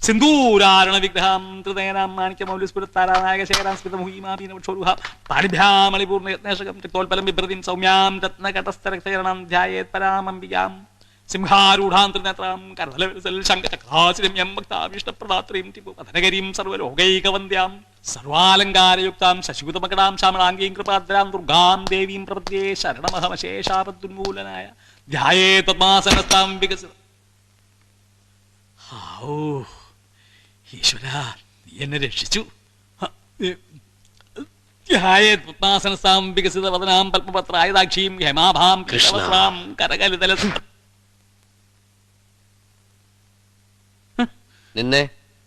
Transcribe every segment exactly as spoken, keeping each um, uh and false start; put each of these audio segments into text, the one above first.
സിന്ദൂരാരണ വിഗ്രഹം ത്രിനയനാം മാണിക്യമൗലിസ്ഫുരത്താരാനായകശേഖരാം സ്മിതമുഹീമാപീനവക്ഷോരുഹ പാരിഭ്യാമളിപൂർണ്ണയത്നേഷകം രക്തോൽപലം വിഭ്രതിം സൗമ്യാം രത്നകടസ്ഥരക്ഷരണം ധ്യായേത് പരാമംബികാം സിംഹാരൂഢാം ത്രിനേത്രാം കരതലവിലസൽ ശങ്കചക്രാചിരമ്യം ഭക്താഭീഷ്ടപ്രദാത്രീം ടിപുപധനകരീം സർവലോകൈകവന്ദ്യാം സർവാലങ്കാരയുക്താം ശശികുതമകടാം ശ്യാമളാംഗീം കൃപാദ്രാം ദുർഗാം ദേവീം പ്രപദ്യേ ശരണമഹമശേഷാപദ്ദുന്മൂലനായ ധ്യായേത് പദ്മാസനസ്ഥാം വികസിത. ഓ ഈശ്വരാ, നീ എന്നെ രക്ഷിച്ചു. പത്മാസനസ്ഥാം വികസിത വദനാം പത്മപത്രായതാക്ഷീം ഹേമാഭാം കൃഷ്ണവസ്ത്രാം കരകലിതല. നിന്നെ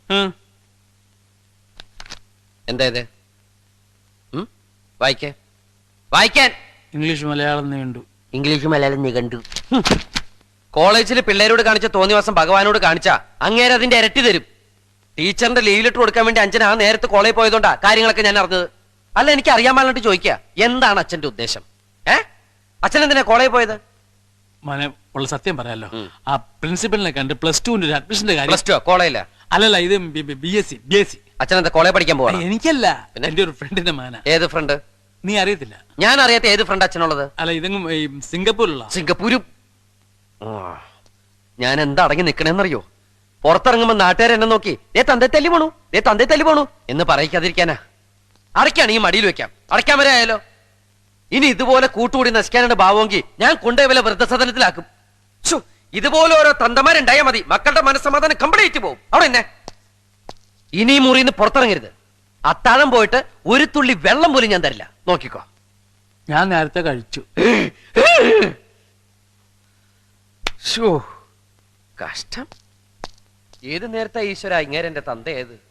എന്താ ഇത്? വായിക്കേ വായിക്കാൻ. ഇംഗ്ലീഷ് മലയാളം നീണ്ടു. ഇംഗ്ലീഷ് മലയാളം നീ കണ്ടു. കോളേജിൽ പിള്ളേരോട് കാണിച്ച തോന്നിവാസം ഭഗവാനോട് കാണിച്ചാ അങ്ങേരെ അതിന്റെ ഇരട്ടി തരും. ടീച്ചറിന്റെ ലീവ് ലെറ്റർ കൊടുക്കാൻ വേണ്ടി അച്ഛൻ ആ നേരത്തെ കോളേജിൽ പോയതുകൊണ്ടാ കാര്യങ്ങളൊക്കെ ഞാൻ അറിഞ്ഞത്. അല്ല, എനിക്ക് അറിയാൻ പാടിട്ട് ചോദിക്കുക, എന്താണ് അച്ഛന്റെ ഉദ്ദേശം? ഏ അച്ഛൻ എന്തിനാ കോളേജിൽ പോയത്? മോനെ ഉള്ള സത്യം പറയാലോ, ആ പ്രിൻസിപ്പലിനെ കണ്ട് പ്ലസ് ടുവിന്റെ ഒരു അഡ്മിഷന്റെ കാര്യം. പ്ലസ് ടു കോളേജില്ല? അല്ലല്ല, ഇത് B S C B S C. അച്ഛൻ എന്താ കോളേജ് പഠിക്കാൻ പോവാ? എനിക്കല്ല, എന്റെ ഒരു ഫ്രണ്ടിന്റെ മാന. ഏത് ഫ്രണ്ട്? നീ അറിയത്തില്ല? ഞാൻ അറിയാത്ത ഏത് ഫ്രണ്ട് അച്ഛനുള്ളത്? അല്ല, ഇതെങ്ങും സിംഗപ്പൂരിലുള്ള. സിംഗപ്പൂരും ഞാൻ എന്താ അടങ്ങി നിക്കണേന്നറിയോ? പുറത്തിറങ്ങുമ്പോ നാട്ടുകാർ എന്നെ നോക്കി ദേ തന്തേ തല്ലി പോണു, ദേ തന്തേ തല്ലി പോണു എന്ന് പറയിക്കാതിരിക്കാനാ. അടയ്ക്കാണ് ഈ മടിയിൽ വെക്കാം, അടയ്ക്കാൻ വരെ ആയാലോ. ഇനി ഇതുപോലെ കൂട്ടുകൂടി നശിക്കാനാണ് ഭാവമെങ്കിൽ ഞാൻ കൊണ്ടുപോയി വല്ല വൃദ്ധസദനത്തിലാക്കും. ഇതുപോലെ ഓരോ തന്തമാരുണ്ടായാൽ മതി, മക്കളുടെ മനസ്സമാധാനം കംപ്ലീറ്റ് പോകും. അവിടെ എന്നെ ഇനി മുറിന്ന് പുറത്തിറങ്ങരുത്. അത്താഴം പോയിട്ട് ഒരു തുള്ളി വെള്ളം പോലും ഞാൻ തരില്ല, നോക്കിക്കോ. ഞാൻ നേരത്തെ കഴിച്ചു. കഷ്ടം. ഏത് നേരത്തെ ഈശ്വര ഇങ്ങേരെ എന്റെ തന്ത ഏത്?